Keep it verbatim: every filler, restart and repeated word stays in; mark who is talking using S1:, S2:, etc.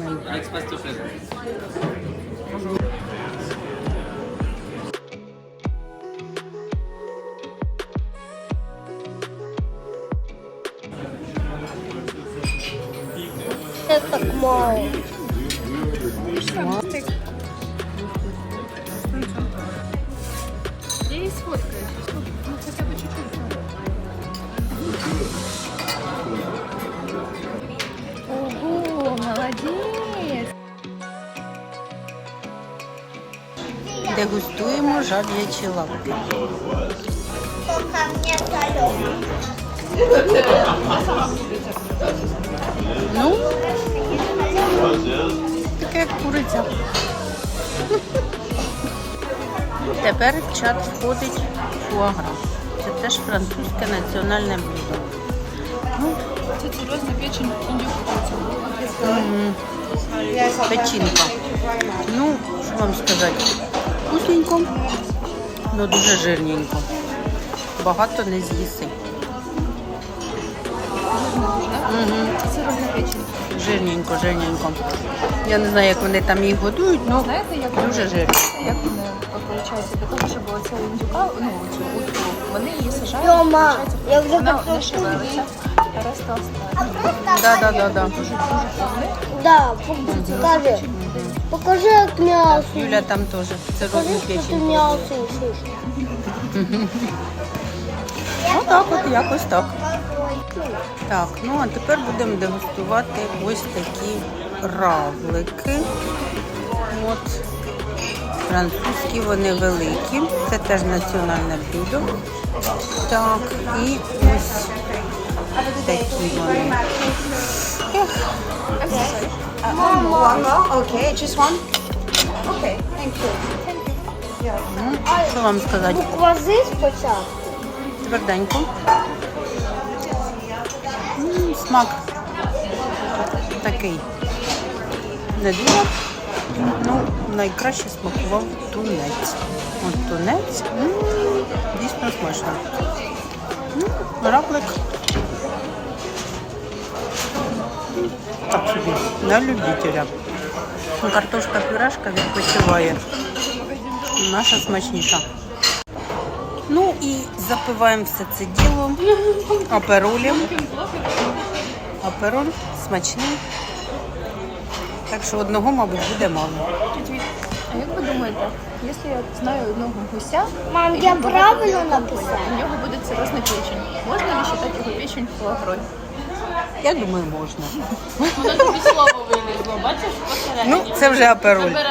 S1: смачний.
S2: Це так мало.
S3: Я її сфоткаю. Ну, хоча б чуть-чуть. Ого, молодець!
S1: Дегустуємо жаб'ячі лапки.
S2: Поки мені солено.
S1: Ну, таке як куриця. Тепер в чат входить фуагра. Це теж французьке національне блюдо. Ну,
S3: Це серйозна печень індюка.
S1: м, печінка. Ну, що вам сказати? Вкусненько, але дуже жирненько. Багато не з'їси. Угу.
S3: Це серйозна печень.
S1: Жирненько, жирненько. Я не знаю, як вони там їх годують, але
S3: Знаєте, як
S1: дуже жирно.
S3: Як вони виходить, для того, щоб оця індюка, ну, цю утку, вони її сажають,
S2: Тьома,
S3: виходить,
S2: я вже
S3: вона
S2: готова.
S3: не шевелиться, а решта остає.
S1: Да, да, да, да.
S2: Да, покажи. Покажи, як м'ясо.
S1: Юля там теж. Це
S2: Покажи,
S1: розну
S2: що ти
S1: печень.
S2: м'ясо їсиш.
S1: Ну так от, якось так. Так, ну а тепер будемо дегустувати ось такі равлики. От. Французькі вони великі. Це теж національне блюдо. Так, і ось такі вони.
S3: Окей, just one? Окей, thank you.
S1: Ну, що вам сказати?
S2: Буквази спочатку.
S1: Тверденько. М, Смак такий. Не дуже. Ну, найкраще смакував тунець. От тунець. М, Дійсно смачно. М, Равлик. М, Так собі, на любителя. Ну, картошка пюрешка відпочиває. Наша смачніша. Ну і запиваємо все це діло аперолем. Апероль смачний. Так що одного, мабуть, буде мало.
S3: А як ви думаєте, якщо я знаю одного гуся,
S2: Мам,
S3: і
S2: я
S3: він
S2: правильно
S3: багато
S2: написала?
S3: у нього буде циррозна печень. Можна ли вважати його печень фуагрой?
S1: Я думаю, можна.
S4: Воно тобі слово вилізло, бачиш, посередині.
S1: Ну, це вже апероль.